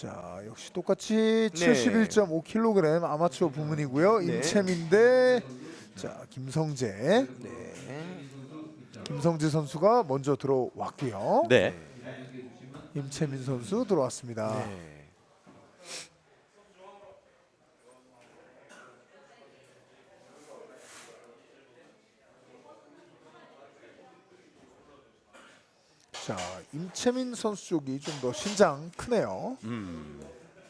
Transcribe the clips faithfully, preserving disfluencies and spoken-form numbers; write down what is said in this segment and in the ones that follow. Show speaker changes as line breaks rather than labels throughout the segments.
자, 역시 똑같이
네.
칠십일 점 오 킬로그램 아마추어 부문이고요.
네.
임채민 대 자, 김성재.
네.
김성재 선수가 먼저 들어왔고요.
네.
임채민 선수 들어왔습니다.
네.
자, 임채민 선수 쪽이 좀 더 신장 크네요.
음.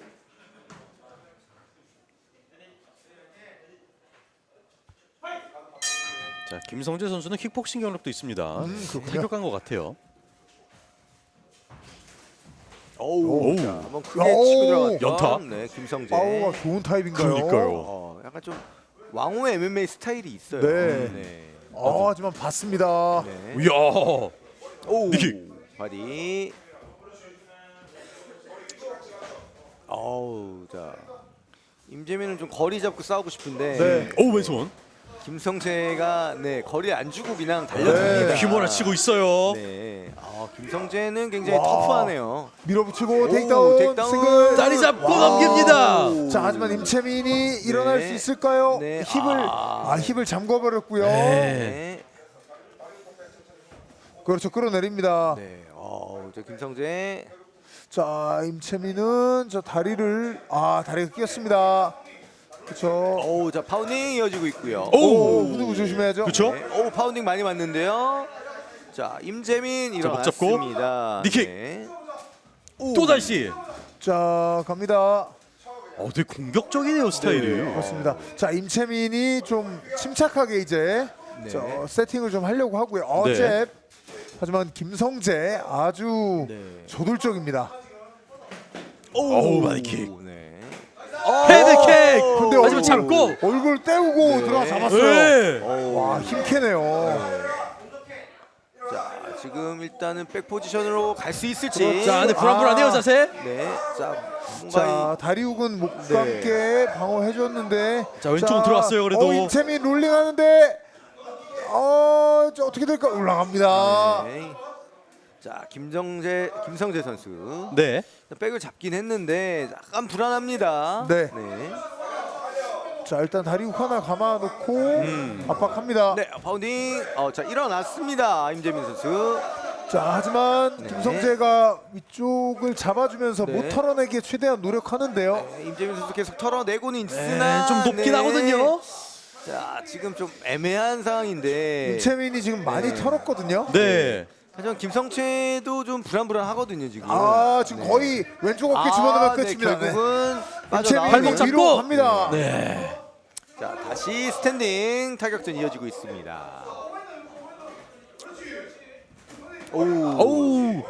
자, 김성재 선수는 킥복싱 경력도 있습니다.
음, 그렇군요.
타격한 것 같아요.
오우.
오우.
자, 한번 크게
오우.
치고 들어갔던
연타?
네, 김성재.
파워가 좋은 타입인가요?
그러니까요.
어, 약간 좀 왕호의 엠엠에이 스타일이 있어요.
네.
네.
아, 하지만 봤습니다.
네.
이야.
오.
니킥.
바디. 어우, 자. 임재민은 좀 거리 잡고 싸우고 싶은데
네.
오, 왼손.
김성재가 네 거리 안 주고 그냥 달려듭니다.
네.
휘몰아 치고 있어요.
네. 아, 김성재는 굉장히
와.
터프하네요.
밀어붙이고
오,
테이크다운,
테이크다운.
싱글.
다리 잡고
와우.
넘깁니다.
자, 하지만 임채민이 일어날
네.
수 있을까요?
네.
힙을
아.
아, 힙을 잠궈버렸고요.
네.
네.
그렇죠, 끌어내립니다.
네. 어, 저 김성재.
자, 임채민은 저 다리를 아 다리가 끼었습니다. 그렇죠.
오, 자 파운딩 이어지고 있고요.
오, 후두부 조심해야죠.
그쵸?
네. 오, 파운딩 많이 맞는데요. 자, 임재민
자, 목 잡고.
일어났습니다.
니킥.
네.
또 다시.
자, 갑니다.
어, 되게 공격적이네요, 스타일이.
그렇습니다. 자, 임채민이 좀 침착하게 이제
네.
저 세팅을 좀 하려고 하고요. 어,
네.
잽. 하지만 김성재 아주
네.
저돌적입니다.
오우, 바디킥.
네.
헤드킥.
근데
하지만
얼굴,
잡고.
얼굴 떼우고
네.
들어가 잡았어요.
네.
오.
와, 힘캐네요.
자, 지금 일단은 백 포지션으로 갈 수 있을지.
자, 안에 불안불안해요,
아.
자세.
네. 자, 뭔가
자, 다리 훅은 목과
네.
함께 방어해줬는데.
자, 왼쪽은 들어왔어요, 그래도.
어, 임채민 롤링하는데. 어, 저 어떻게 될까? 올라갑니다.
네. 자, 김정재 김성재 선수.
네.
백을 잡긴 했는데 약간 불안합니다.
네.
네.
자, 일단 다리 훅 하나 감아놓고
음.
압박합니다.
네, 파운딩. 어, 자, 일어났습니다. 임재민 선수.
자, 하지만
네.
김성재가 위쪽을 잡아주면서
네.
못 털어내기에 최대한 노력하는데요.
네, 임재민 선수 계속 털어내고는
네,
있으나
좀 높긴
네.
하거든요.
자, 지금 좀 애매한 상황인데.
임채민이 지금 많이
네.
털었거든요.
네.
하지만 김성채도 좀 불안불안하거든요 지금.
아, 지금
네.
거의 왼쪽 어깨
아,
집어넣으면
네,
끝입니다. 네.
결국은
임채민이
빠져나오는.
발목 잡고.
위로 갑니다.
네.
자, 다시 스탠딩 타격전 이어지고 있습니다. 오.
오우.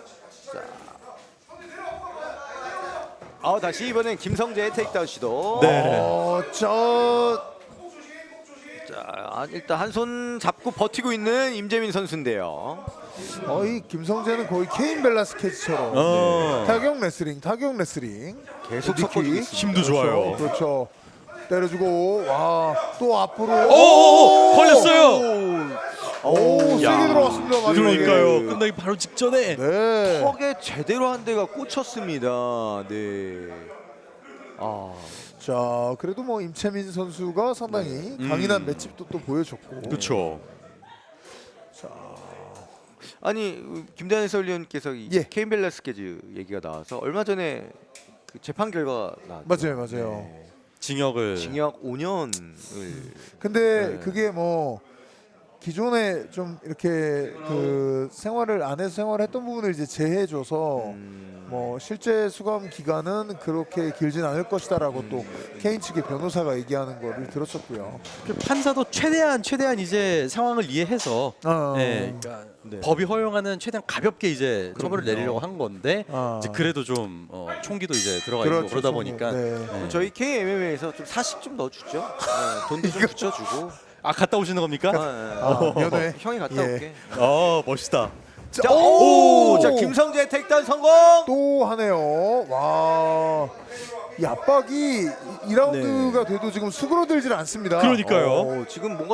아, 다시 이번엔 김성재의 테이크다운 시도.
네.
어, 저
자, 일단 한 손 잡고 버티고 있는 임재민 선수인데요.
거의 김성재는 거의 케인 벨라스케즈처럼
어.
타격 레슬링, 타격 레슬링.
계속
니킥.
섞어주고 있습니다.
힘도 좋아요.
그렇죠. 때려주고 와, 또 앞으로.
오, 걸렸어요.
오, 세게
야.
들어갔습니다. 마지막에.
그러니까요. 끝나기 바로 직전에.
네.
턱에 제대로 한 대가 꽂혔습니다. 네. 아,
자, 그래도 뭐 임채민 선수가 상당히 강인한 맷집도 또 보여줬고.
그렇죠.
자,
아니 김대한 해설위원께서 이
예.
케인 벨라스케즈 얘기가 나와서 얼마 전에 그 재판 결과 나왔죠.
맞아요, 맞아요.
네.
징역을.
징역 오 년을.
근데
네.
그게 뭐 기존에 좀 이렇게 그 생활을 안에서 생활했던 부분을 이제 제해줘서
음,
뭐 실제 수감 기간은 그렇게 길진 않을 것이다라고 또 케인 측의 변호사가 얘기하는 거를 들었었고요.
그 판사도 최대한 최대한 이제 상황을 이해해서
어.
네, 그러니까
네.
법이 허용하는 최대한 가볍게 이제 처벌을
그럼요.
내리려고 한 건데
아.
이제 그래도 좀 어, 총기도 이제 들어가
그렇죠,
있고 그러다
좀,
보니까
네.
네.
저희 케이엠엠에이에서 좀 사식 좀 넣어주죠. 네, 돈도 좀 붙여주고.
아 갔다 오시는 겁니까?
아,
아, 연애.
형이 갔다
예.
올게.
어 멋있다.
자,
오!
오, 자 김성재 택다운 성공.
또 하네요. 와, 이 압박이 이 라운드가 돼도 지금 수그러들질 않습니다.
그러니까요.
어, 지금 뭔가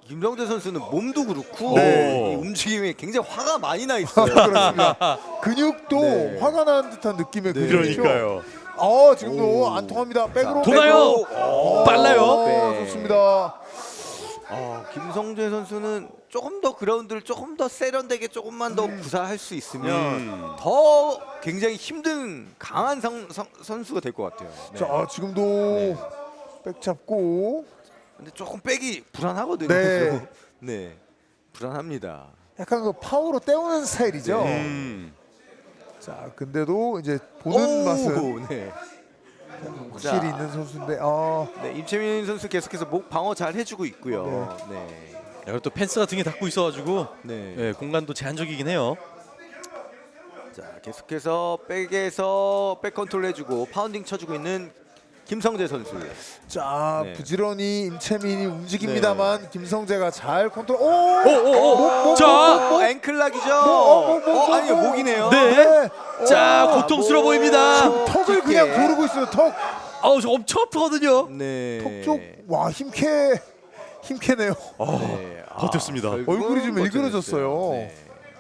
김성재 선수는 몸도 그렇고
네.
이 움직임에 굉장히 화가 많이 나 있어요.
그렇습니다. 근육도
네.
화가 나는 듯한 느낌의
네.
근육이죠.
그러니까요.
어 지금도
오.
안 통합니다. 백으로
도나요?
백으로.
빨라요.
어,
네.
좋습니다.
어, 김성재 선수는 조금 더 그라운드를 조금 더 세련되게 조금만 더 구사할 수 있으면
음.
더 굉장히 힘든 강한 성, 성, 선수가 될 것 같아요. 네.
자 지금도
네.
백 잡고
근데 조금 백이 불안하거든요.
네.
네, 불안합니다.
약간 그 파워로 때우는 스타일이죠.
음.
자 근데도 이제 보는
오,
맛은
네.
확실히
자.
있는 선수인데 아
네, 임채민 선수 계속해서 목 방어 잘 해주고 있고요. 네,
그리고 또 펜스가 등에 닿고 있어가지고
네.
예, 공간도 제한적이긴 해요.
자 계속해서 백에서 백 컨트롤 해주고 파운딩 쳐주고 있는 김성재 선수.
자
네.
부지런히 임채민이 움직입니다만 김성재가 잘 컨트롤. 오! 목,
오오오.
목,
자,
어, 앵클락이죠.
어, 목, 목,
어,
목,
아니요
목.
목이네요.
네.
오!
자,
아,
고통스러워
목.
보입니다.
턱을 그냥
깊게.
고르고 있어요. 턱.
아우, 저 엄청 아프거든요.
네.
턱 쪽. 와 힘캐 힘캐네요.
네. 아,
버텼습니다.
결국은
얼굴이 좀
버텨냈어요.
일그러졌어요.
네.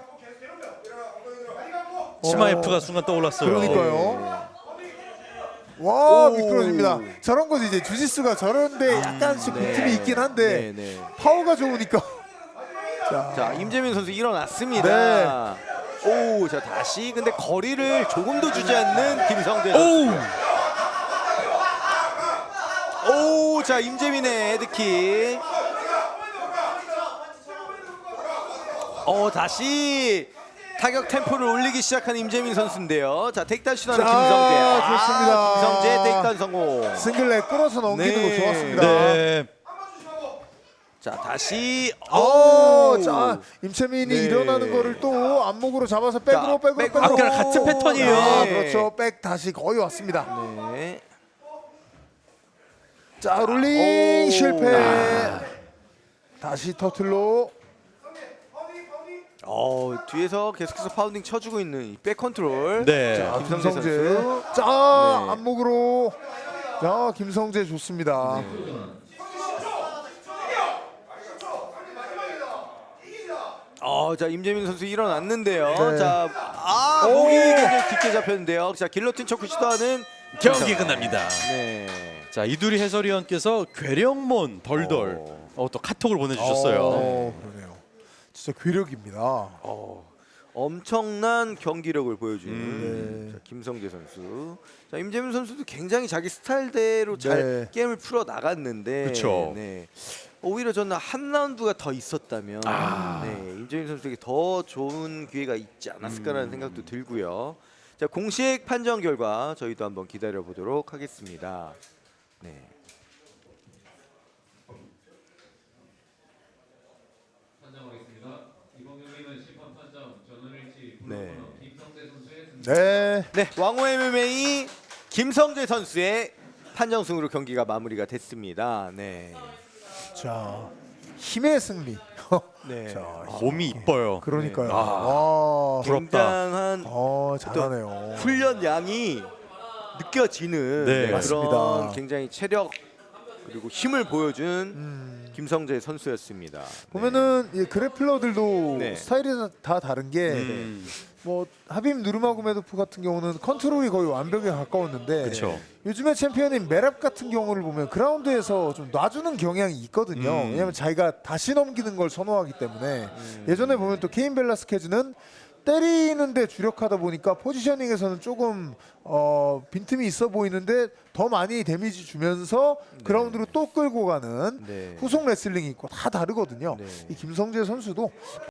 치마
어.
F가 순간 떠올랐어요.
그러니까요. 와
오.
미끄러집니다. 저런 거지 이제 주짓수가 저런데 약간씩
네.
빈틈이 있긴 한데
네, 네.
파워가 좋으니까. 자,
자 임재민 선수 일어났습니다. 오, 자 다시 근데 거리를 조금 더 주지 않는 김성재 선수.
오!
오, 자 임재민의 헤드킥. 어 다시 타격 템포를 올리기 시작한 임재민 선수인데요. 자 테이크다운 시도하는
자,
김성재.
좋습니다.
아, 김성재 테이크다운 성공.
싱글렉 끌어서 넘기는
네.
거 좋았습니다.
네.
자 다시.
오,
오,
자 임채민이
네.
일어나는 거를 또 안목으로 잡아서 백으로
자,
백으로
백-
백으로.
아까랑 같은 패턴이에요.
아,
네.
그렇죠. 백 다시 거의 왔습니다.
네.
자 롤링
오.
실패. 다시 터틀로.
어 뒤에서 계속해서 파운딩 쳐주고 있는 이 백 컨트롤.
네.
자
김성재
김성재.
선수.
자
네.
안목으로. 자 김성재 좋습니다.
어, 자 임재민 선수 일어났는데요.
네.
자, 아
오.
목이 굉장히 깊게 잡혔는데요. 자 길로틴 초크 시도하는
경기 끝납니다.
네.
자, 이두리 해설위원께서 괴력몬 덜덜
어.
어, 또 카톡을 보내주셨어요.
어, 그러네요. 진짜 괴력입니다.
어, 엄청난 경기력을 보여주는
음, 네.
자, 김성재 선수. 자 임재민 선수도 굉장히 자기 스타일대로 잘
네.
게임을 풀어 나갔는데,
그쵸.
네. 오히려 저는 한 라운드가 더 있었다면,
아.
네, 임재민 선수에게 더 좋은 기회가 있지 않았을까라는 생각도 들고요. 자 공식 판정 결과 저희도 한번 기다려 보도록 하겠습니다. 네.
판정하겠습니다. 이번 경기는 심판 판정 전원일치
네.
블루코너 김성재 선수의 승리.
네.
네, 왕호 엠엠에이 김성재 선수의 판정승으로 경기가 마무리가 됐습니다. 네.
자 힘의 승리.
네.
자,
몸이 이뻐요.
그러니까요.
네.
와.
부럽다.
굉장한
어 잘하네요.
훈련 양이 느껴지는
네.
네,
맞습니다.
그런 굉장히 체력 그리고 힘을 보여준
음,
김성재 선수였습니다.
보면은 이 그래플러들도
네.
스타일이 다 다른 게
음.
뭐 하빔 누르마고메도프 같은 경우는 컨트롤이 거의 완벽에 가까웠는데
그쵸.
요즘에 챔피언인 메랍 같은 경우를 보면 그라운드에서 좀 놔주는 경향이 있거든요.
음.
왜냐하면 자기가 다시 넘기는 걸 선호하기 때문에
음.
예전에 보면 또 케인 벨라스케즈는 때리는데 주력하다 보니까 포지셔닝에서는 조금 어, 빈틈이 있어 보이는데 더 많이 데미지 주면서 그라운드로 또 끌고 가는
네.
후속 레슬링이 있고 다 다르거든요.
네.
이 김성재 선수도